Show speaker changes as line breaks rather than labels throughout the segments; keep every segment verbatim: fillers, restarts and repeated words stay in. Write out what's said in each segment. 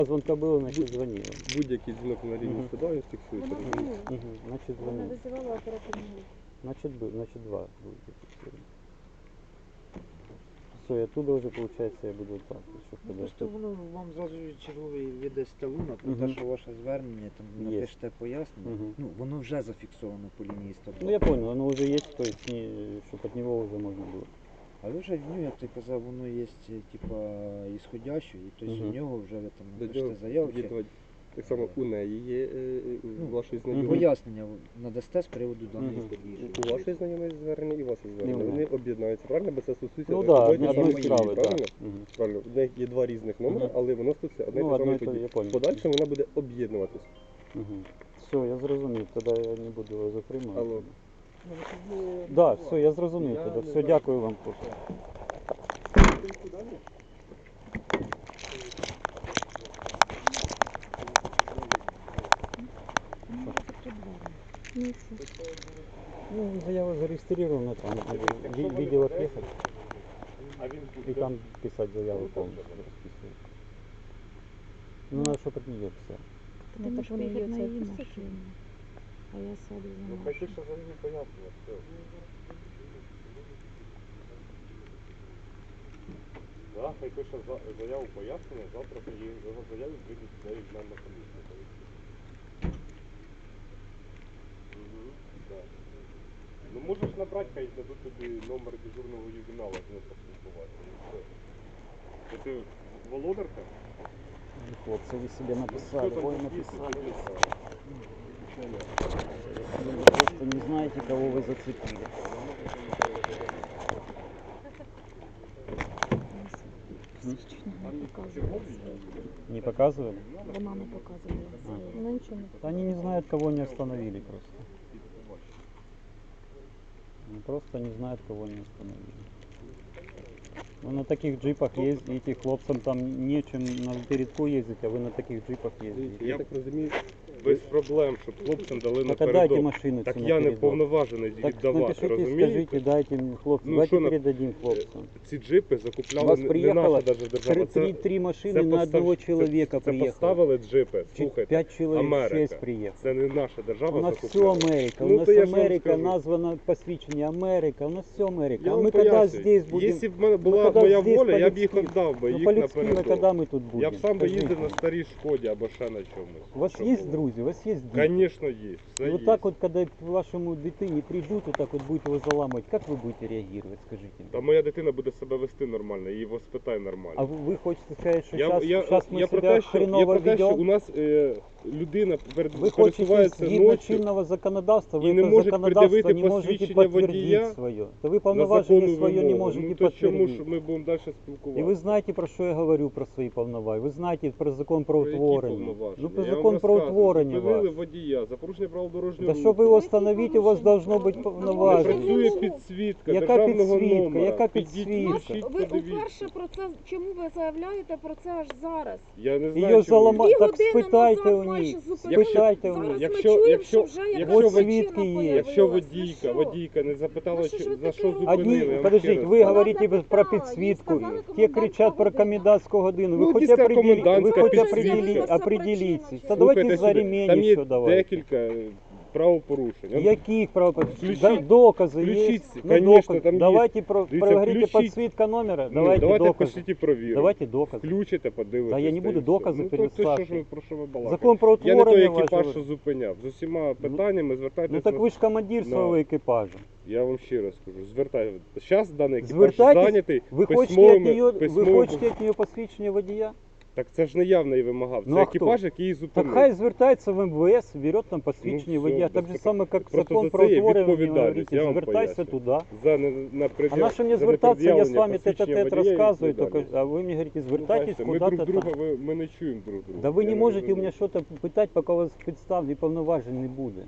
Звонка було, значить дзвонили.
Будь-який дзвінок на лінію
Мгм.
сюди, він фіксується.
Вона
розумієте?
дзвонила.
Угу. Значить
Вона
дзвонили.
визивала оперативну групу.
Значить, бу- значить два будуть зафіксовані. Все, я туди вже, виходить, я буду так. Що
Ну,
ходити.
просто воно вам зразу черговий видасте лунок, про
Мгм.
те, що ваше звернення, там
Є.
напишете пояснення.
Мгм.
Ну, воно вже зафіксовано по лінії сто два.
Ну я понял, оно уже есть, то есть, не, чтобы от него уже можно было.
А ви вже в нього, як ти казав, воно є типа ісходяще, і тобто
Мгм.
в нього вже ви там
До
напишете
нього
заяву.
є
чи-
два- Так само у неї є, е, у
Ну,
вашої
Мгм.
знайомої.
Пояснення надасте з приводу даної
Мгм.
події.
У вашої знайомої звернення і ваше звернення.
Ну,
Вони об'єднаються, правильно? Бо це стосується
Ну
одної
да,
і
одной
самої
одной
події,
справы, да.
правильно?
Мгм.
Правильно. В них є два різних номери,
Мгм.
але воно стосується одне і
Ну,
те
одно
саме
і те,
події.
я понял.
Подальше вона буде об'єднуватись.
Угу. Все, я зрозумів, тоді я не буду його затримувати.
Алло.
Да, все, я зрозумів
Я
тоді.
не
Все,
знаю.
дякую вам. хлопці.
Ну і що?
Ну, заява зареєстрована, там ви- видео отъехать. И там писать заяву полностью расписывать. Ну, надо, чтобы от нее писать.
Ти
Ну,
можеш
так вони
поїхати на
її
її
писати.
машину. А я сяду за
Ну хай
нашу.
пише заяву пояснює, все. Да, хай пише за- заяву пояснення, завтра її його заяву прийдуть сюди в мене на комісію. Угу, так. Ну можеш набрати, хай дадуть тобі номер дежурного ювенала, з ним поспілкуватися. І все. Це ти володарка?
Хлопцы, вы себе написали,
Що там
ой,
за
написали.
список?
Вы просто не знаете, кого вы зацепили.
Свідчення не показувала.
Не показывали?
Вона не показувала.
А.
Вона нічого не
Да
показувала.
они не знают, кого они остановили просто. Они просто не знают, кого они остановили. Вы на таких джипах ездите, хлопцам там нечем на передку ездить, а вы на таких джипах ездите.
Я так розумію,
Без проблем, щоб хлопцям дали
Так а дайте
напередок.
машину
Так
цю на
я не
передок.
повноважений
Так
віддавати,
напишите,
розумієте?
скажите, дайте мне, хлопцы,
Ну,
давайте
що на-
передадим хлопцам.
Ці джипи
У
закупляли
вас
не- не
приїхало
наша даже держава.
Три,
Це,
три, три машины
це
на
постав-
одного
це-
человека
це
приехало.
поставили джипи,
Чуть
слухайте.
пять человек,
Америка.
шесть приехало.
Це не наша держава
У нас все
закупляла.
Америка,
Ну,
у нас
то я ж вам
Америка
скажу.
названа посвящение Америка, у нас все Америка.
Я
а
вам
мы когда
пояснюю.
здесь будем?
Якщо б в мене була
когда
моя
здесь
воля, я б їх
по-людськи-
віддав би,
Ну,
їх
по-людски, мы
напередок.
когда мы тут будем?
Я б сам би їздив
Скажите.
на старій Шкоді або ще на чомусь.
У вас
Що
есть
було.
друзья, у вас есть дети?
Звісно, є. Все
И
є.
вот так вот, когда к вашему дитине придут, вот так вот будете его заламывать, как вы будете реагировать, скажите?
Та моя дитина буде себе вести нормально, її воспитай нормально.
А вы, вы хотите сказать, что
Я,
сейчас,
я,
сейчас мы
я, про
себя
те, що, я
хреново
про те, що
ведем?
у нас е, людина перед,
Вы хочете
пересувається
згідно
ночі
чинного законодавства, вы
і не
это
можуть
законодавство
пред'явити
не можете
посвідчення
подтвердить
водія
свое. Да вы
на
полноважение
законну
свое не
вимогу.
можете
Ну то чому
подтвердить.
ж ми будемо далі
И
спілкуватися?
вы знаете, про что я говорю, про свои повноважения. Вы знаете про закон про
Про які
утворення.
повноваження?
Ну, про
Я вам
закон про
розказую.
утворення
Зупинили
вас.
водія за порушення правил дорожнього
Да
руху.
щоб його встановити, у вас должно бути
Не
повноваження.
працює підсвітка
Яка
державного
підсвітка?
номера.
Яка
Підіть,
підсвітка?
включіть,
Ви
подивіться.
уперше про це, чому ви заявляєте про це аж зараз?
Я не знаю,
Її
чому.
залама...
Дві
Так
години
спитайте
назад
у
майже
них.
зупинили.
Спитайте у
Зараз
них.
Якщо-
ми чуємо,
якщо-
що вже
якщо
якась
ви-
причина
свідки є.
появилась.
Якщо
Ну
водійка,
що?
водійка не запитала,
Ну що ж
що-
ви
за
таке
що
робите?
зупинили, я
Одни,
вам
подождите,
ще раз
вы
кажу.
говорите
запитала,
про
їй
підсвітку,
сказали
те кричат про
комендантська
комендантскую годину.
Ну,
Вы хоть
дійсно,
определи... вы
комендантська
хоть
підсвітка.
определи...
Це
определитесь.
причина,
Та
чи-
давайте
Слухайте
за
сюди,
ремень
там є
еще давайте.
декілька е, правопорушень. Он-
Яких правопорушений?
Включіть-
Да, доказы
включіть,
есть?
конечно,
доказ.
там
Давайте, про,
Дивіться,
проговорите
включіть.
подсветка номера,
Ну,
давайте,
давайте
доказы.
пошліть і провіримо.
Давайте доказы.
Включите, подивитесь.
Та я не
та й
буду
все.
докази
Ну, то, то що ж
переслати.
ви, про що ви балакаєте?
Закон про
Я не той
утворення
екіпаж,
вашого.
що зупиняв. З усіма питаннями звертайтеся.
Ну так ви ж командир
на-
свого екіпажу.
Я вам ще раз скажу, звертайтеся. Зараз даний екіпаж
Звертайтесь,
зайнятий
Ви хочете, від
письмовими...
нее, ви
письмовими-
хочете від нього посвідчення водія?
Так це ж не я в неї вимагав, це
Ну, а хто?
екіпаж, який її
Так
зупинив.
хай звертається в эм вэ эс, берет там посвідчення
Ну, все,
водія.
без
Так же
питань.
саме, як
Просто
закон
за
про
це є
утворення, ви
відповідальність,
говорите,
я вам
звертайся
пояснюю.
туди.
За не, на
А
пред'яв...
на що мені
за
звертатися, я з
непред'явлення
вами
посвідчення
тет-а-тет
водія і
розказую, только,
відповідальність.
а вы мне говорите,
Ну,
звертайтесь
бачите, ми
куда-то
друг
там.
друга, ви- ми не чуємо друг друга.
Да ви
Я
не можете у
розумію.
мене щось питати, поки у вас підстав і повноважень не буде.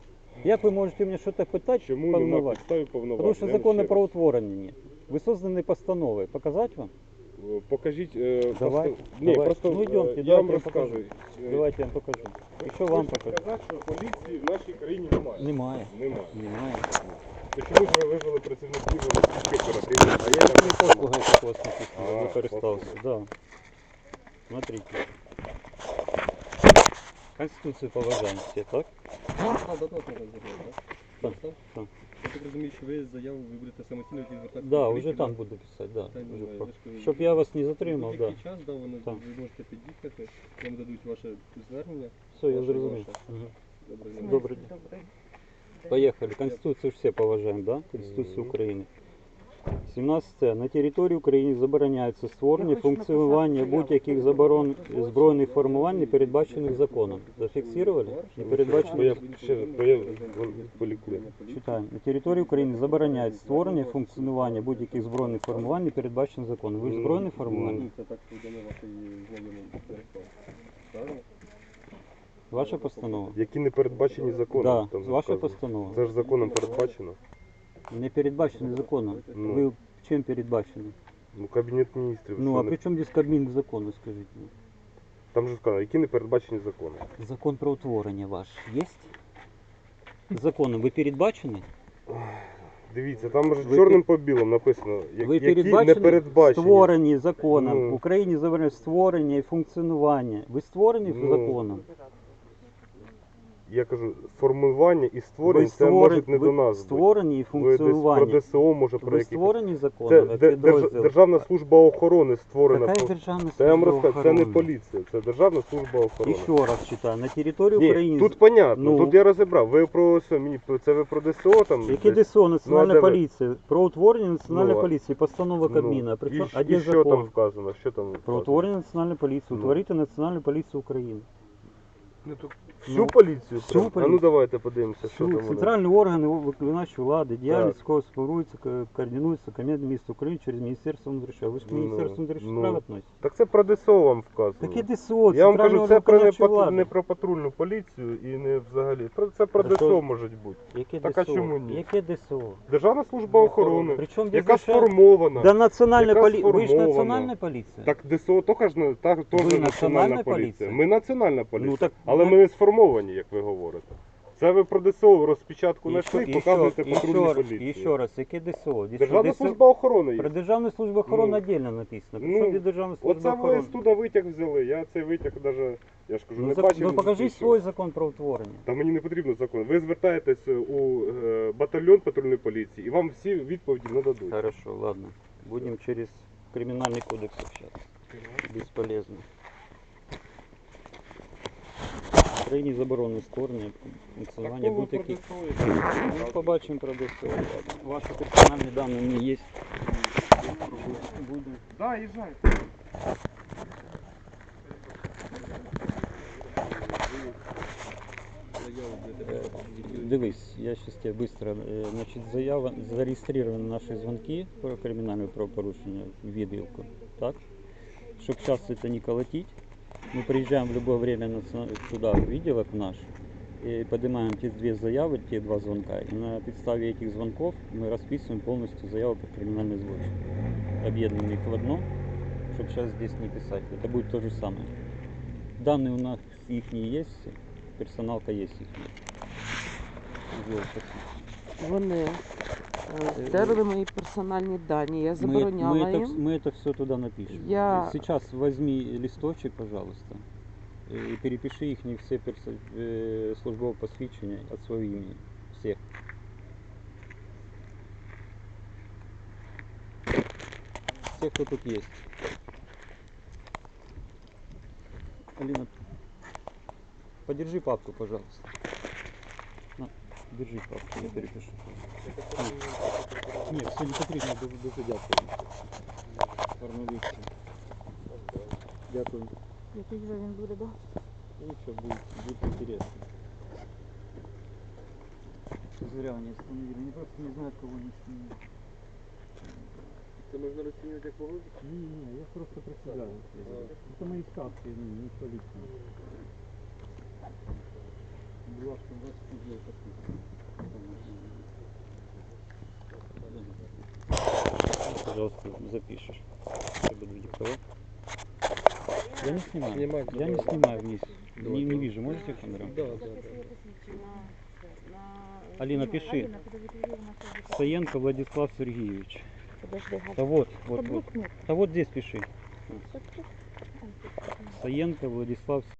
Як ви можете у мене щось питати,
Чому нема
повноважень?
підстави повноважень?
Тому що
Я вам
закону
ще
про
раз.
утворення нет. Ви создані постановою. Показати вам?
Е, Покажіть... Е,
Давай,
просто... Ні,
давай.
просто
Ну,
е,
йдемте,
я
давайте
вам
я
розказую. Е,
Давайте я вам покажу.
ви
І що вам
хочете
покажу?
сказати, що поліції в нашій країні немає?
Немає.
Немає.
Немає.
То чому ж ви визвали працівників російської оперативної?
А я там не только такого
А,
не користался. Да. Смотрите. Конституцію поважаємо всі, так?
А, до того треба зробити,
Так,
так?
так.
Я так розумію, що ви заяву ви будете самостійно йти звертатися
Да,
до
вже
поліції,
там
да?
буду писати, да.
Та ні,
Вже
ви
по-
ж кажете,
Щоб я вас не затримав,
в
да.
будь-який час, да, воно,
Так.
ви можете під'їхати, вам дадуть ваше звернення.
Все, я
Ваше,
зрозумів.
ваше.
Мгм.
Добре,
В смислі,
Добрий день.
добрий день.
Поехали. Конституцию все поважаем, да? Конституцию
Мгм.
України. сімнадцяте. На території України забороняється створення,
Я хочу
функціонування
написати
будь-яких заборон збройних формувань, не передбачених законом. Зафіксували? Не
Бо
передбачено.
я ще бо я полікую.
Читаємо. На території України забороняється створення, функціонування будь-яких збройних формувань, не передбачених законом. Ви ж збройне формування?
Ну, це так повідомив вашої знайомої Ярослав. Правильно?
Ваша постанова?
Які не передбачені законом.
Да,
там
ваша
вказано.
постанова.
Це ж законом передбачено.
Не передбачений законом.
Ну.
Ви чим передбачені?
Ну, Кабінет міністрів.
Ну,
що
а
не-
при чому здесь Кабмін к закону, скажіть мені?
Там же сказано, які не передбачені законом.
Закон про утворення ваш є? Законом ви передбачені?
Дивіться, там же
Ви
чорним по білому написано, я-
Ви
які не
передбачені?
передбачені.
Створені законом.
Ну.
В Україні заборонено створення і функціонування. Ви створені
Ну,
законом?
Я кажу, формування і створення,
Ви
це
створені-
можуть не
ви
до нас бути.
створені і
Ви десь
функціонування.
про ДСО, може, про
Ви
якісь.
створені законом,
Це
як
де- держ-
підрозділ?
Державна служба охорони створена.
Яка
по-
державна
Це я вам
служба
розкажу, це не
охорони?
поліція, це Державна служба охорони.
І ще раз читаю. На території
Ні,
України...
тут понятно,
Ну.
тут я розібрав. Ви про що, мені це ви про ДСО там?
Яке
десь?
ДСО, Національна
Ну, а де ви?
поліція? Про утворення Національної
Ну, а-
поліції, постанова Кабміна.
Ну,
Причому,
і,
а
і
де
що
закон?
там вказано? Що там
Про
вказано?
утворення Національної поліції.
Ну.
Утворити Національну поліцію України.
Ну, то всю
Ну,
поліцію?
всю
прям? А ну
поліцію.
давайте подивимося, що
Всю,
там вони.
центральні органи виконавчої влади, діяльність
Так.
якого спорується, ко- координується Кабінетом міністрів України через Міністерство внутрішніх справ. Ви ж к
Ну,
Міністерству внутрішніх
ну.
справ відносите?
Так це про ДСО вам вказано.
Таке ДСО,
Я вам
центральний
кажу,
орган
це про не,
виконавчої
патру-
влади.
не про патрульну поліцію і не взагалі. Про це про
Та що?
ДСО може бути.
Яке
Так, а
ДСО?
чому ні?
Яке ДСО?
Державна служба охорони,
Причому
яка
здесь держава-
сформована.
Да національна
Яка
поліція. Ви ж
сформована.
національна поліція.
Так ДСО теж, ж на- так, теж
Ви
національна
національна
поліція.
поліція?
Ми національна поліція.
Ну, так
Але
ви-
ми не сформовані, як ви говорите. Це ви про ДСО розпечатку
І
знайшли
що-
і
і
показуєте
що- і
патрульній
що раз-
поліції.
І ще раз, яке ДСО? Десь
Державна
ДСО
служба охорони є.
Про Державну службу охорони
Ну.
віддільно написано.
Ну,
Причому де Державна служба
Оце ви
охорони?
з туди витяг взяли. Я цей витяг навіть, я ж кажу,
Ну,
не
зак-
бачив.
ну
не
покажи
записував.
свій закон про утворення.
Та мені не потрібно закон. Ви звертаєтесь у е, батальйон патрульної поліції і вам всі відповіді нададуть.
Хорошо, ладно. Будем через криминальный кодекс общаться. Бесполезно. В Україні заборонено створення, функціонування
Такого
будь-яких.
про
Ну, побачимо про ДСО. Ваші персональні дані у мене є. Будемо.
Да, їжджай.
Дивись, я сейчас тебе быстро. э, Значит, заява зареєстрированы наши звонки про криминальное правопорушение в відділку, так? Чтобы сейчас это не колотить, мы приезжаем в любое время на ц- туда, в відділок наш, и поднимаем те две заявы, те два звонка, и на подставе этих звонков мы расписываем полностью заяву про криминальный злочин. Объединяем их в одно, чтобы сейчас здесь не писать. Это будет то же самое. Данные у нас их есть, все, персоналка есть их.
Вони е, стерли мої персональні дані. Я
Мы,
забороняла
мы, это,
їм.
вс- мы это все туда напишем.
Я-
Сейчас возьми листочек, пожалуйста, и перепиши их не все персо- э, службовые посвящения от своего имени. Всех. Все, кто тут есть. Алина, подержи папку, пожалуйста. На, держи папку, я перепишу. Нет, все не потрібно, дуже, дуже дякую. Гарновіці. Дякую.
Який вже він буде, да?
Ну, все будет, будет интересно. Зря они остановили. Они просто не знают, кого они снимают.
Це можна розцінювати як погоду?
Не, не, я просто представляю. Это мои ставки, ну, не полиция. Была, что вас не Пожалуйста, запишешь. Я буду диктовать. Я не снимаю.
Снимай,
Я не
давай.
снимаю вниз.
Давай,
Не, не
давай.
вижу. Можете камеру?
Да, да, да.
Алина, пиши. Саенко Владислав Сергеевич.
Подожди, Галя.
Да вот,
Це
вот, вот.
блокнот.
Да вот здесь пиши.
Це тут.
Саенко Владислав